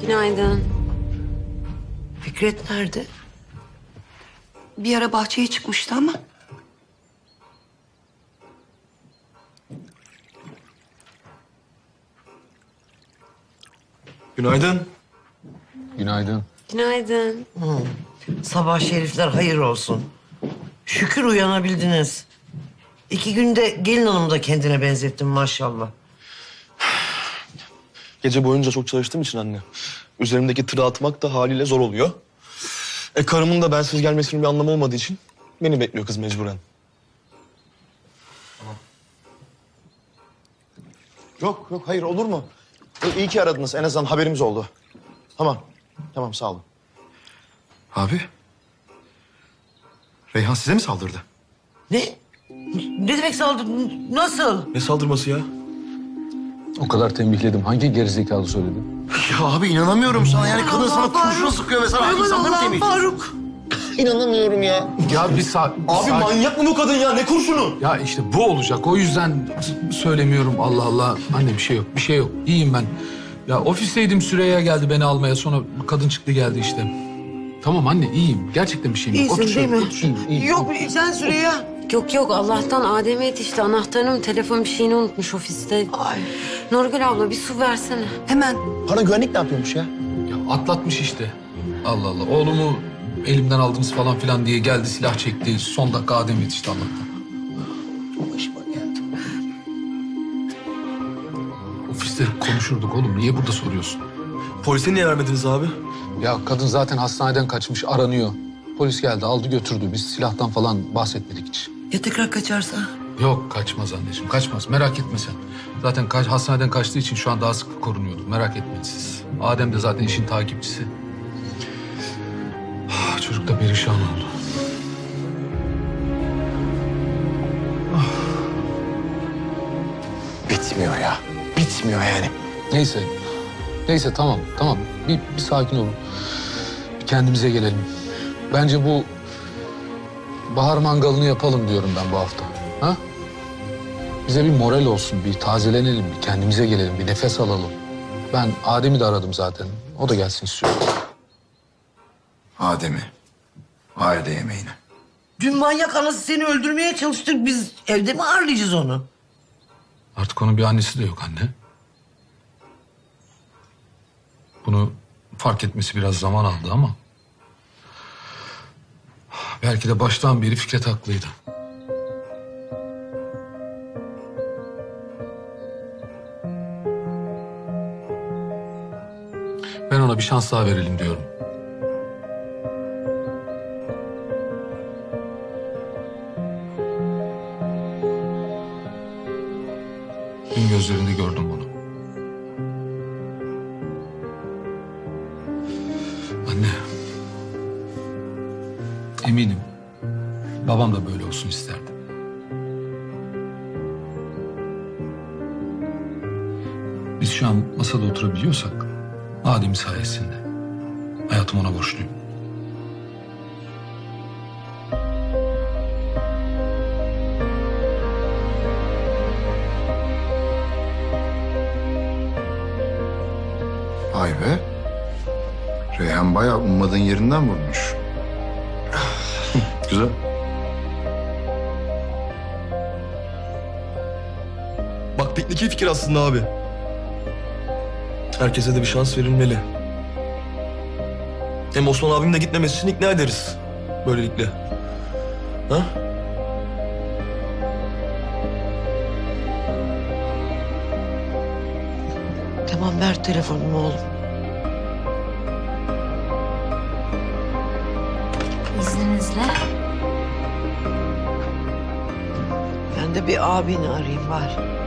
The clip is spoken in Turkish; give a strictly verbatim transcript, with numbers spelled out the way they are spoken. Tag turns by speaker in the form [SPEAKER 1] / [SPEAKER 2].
[SPEAKER 1] Günaydın.
[SPEAKER 2] Fikret nerede?
[SPEAKER 3] Bir ara bahçeye çıkmıştı ama.
[SPEAKER 4] Günaydın.
[SPEAKER 5] Günaydın.
[SPEAKER 1] Günaydın.
[SPEAKER 2] Sabah şerifler hayır olsun. Şükür uyanabildiniz. İki günde gelin hanımı da kendine benzettin maşallah.
[SPEAKER 4] Gece boyunca çok çalıştığım için anne. Üzerimdeki tırı atmak da haliyle zor oluyor. E karımın da bensiz gelmesinin bir anlamı olmadığı için beni bekliyor kız mecburen. Yok yok hayır olur mu? E, iyi ki aradınız, en azından haberimiz oldu. Tamam tamam sağ olun.
[SPEAKER 6] Abi. Reyhan size mi saldırdı?
[SPEAKER 2] Ne? Ne demek saldırı? Nasıl?
[SPEAKER 4] Ne saldırması ya?
[SPEAKER 5] O kadar tembihledim. Hangi gerizekalı söyledi?
[SPEAKER 6] Ya abi inanamıyorum sana. Yani kadın sana kurşuna sıkıyor ve sana insanları mı temizliyor?
[SPEAKER 2] Faruk.
[SPEAKER 4] İnanamıyorum ya.
[SPEAKER 5] Ya bir saat...
[SPEAKER 4] Abi manyak mı bu kadın ya? Ne kurşunu?
[SPEAKER 5] Ya işte bu olacak. O yüzden s- söylemiyorum. Allah Allah. Anne bir şey yok. Bir şey yok. İyiyim ben. Ya ofisteydim. Süreyya geldi beni almaya. Sonra kadın çıktı geldi işte. Tamam anne iyiyim. Gerçekten bir şeyim yok.
[SPEAKER 2] İyisin
[SPEAKER 5] Otur
[SPEAKER 2] değil
[SPEAKER 5] şöyle,
[SPEAKER 2] mi?
[SPEAKER 5] otur şöyle. İyiyim.
[SPEAKER 2] Yok sen Süreyya.
[SPEAKER 1] Yok yok Allah'tan Adem'e yetişti. Anahtarını mı telefon bir şeyini unutmuş ofiste.
[SPEAKER 2] Ay.
[SPEAKER 1] Nurgül abla bir su versene.
[SPEAKER 3] Hemen.
[SPEAKER 4] Para güvenlik ne yapıyormuş ya?
[SPEAKER 5] Ya atlatmış işte. Allah Allah. Oğlumu elimden aldınız falan filan diye geldi silah çekti. Son dakika Adem yetişti Allah'tan.
[SPEAKER 2] Başıma geldi.
[SPEAKER 5] Ofiste konuşurduk oğlum. Niye burada soruyorsun?
[SPEAKER 4] Polise niye vermediniz abi?
[SPEAKER 5] Ya kadın zaten hastaneden kaçmış aranıyor. Polis geldi aldı götürdü. Biz silahtan falan bahsetmedik hiç.
[SPEAKER 2] Ya tekrar kaçarsa?
[SPEAKER 5] Yok kaçmaz anneciğim kaçmaz. Merak etme sen. Zaten ka- hastaneden kaçtığı için şu an daha sık korunuyordu. Merak etmeyin siz. Adem de zaten işin takipçisi. Ah, çocuk da perişan oldu.
[SPEAKER 6] Bitmiyor ya. Bitmiyor yani.
[SPEAKER 5] Neyse. Neyse tamam tamam. Bir, bir sakin olun. Bir kendimize gelelim. Bence bu bahar mangalını yapalım diyorum ben bu hafta. Ha? Bize bir moral olsun, bir tazelenelim, bir kendimize gelelim, bir nefes alalım. Ben Adem'i de aradım zaten. O da gelsin istiyorum.
[SPEAKER 6] Adem'i. Aile yemeğine.
[SPEAKER 2] Dün manyak anası seni öldürmeye çalıştık. Biz evde mi ağırlayacağız onu?
[SPEAKER 5] Artık onun bir annesi de yok anne. Bunu fark etmesi biraz zaman aldı ama... belki de baştan beri Fikret haklıydı. Ben ona bir şans daha verelim diyorum. Dün gözlerinde gördüm bunu. Anne. Eminim. Babam da böyle olsun isterdi. Biz şu an masada oturabiliyorsak Adem sayesinde. Hayatım ona borçluyum.
[SPEAKER 6] Vay be. Reyhan bayağı ummadığın yerinden vurmuş. Güzel.
[SPEAKER 4] Bak piknik iyi fikir aslında abi. Herkese de bir şans verilmeli. Hem Osman abim de gitmemesi için ikna ederiz. Böylelikle. Ha?
[SPEAKER 2] Tamam ver telefonumu oğlum.
[SPEAKER 1] İzninizle.
[SPEAKER 2] Ben de bir abini arayayım var.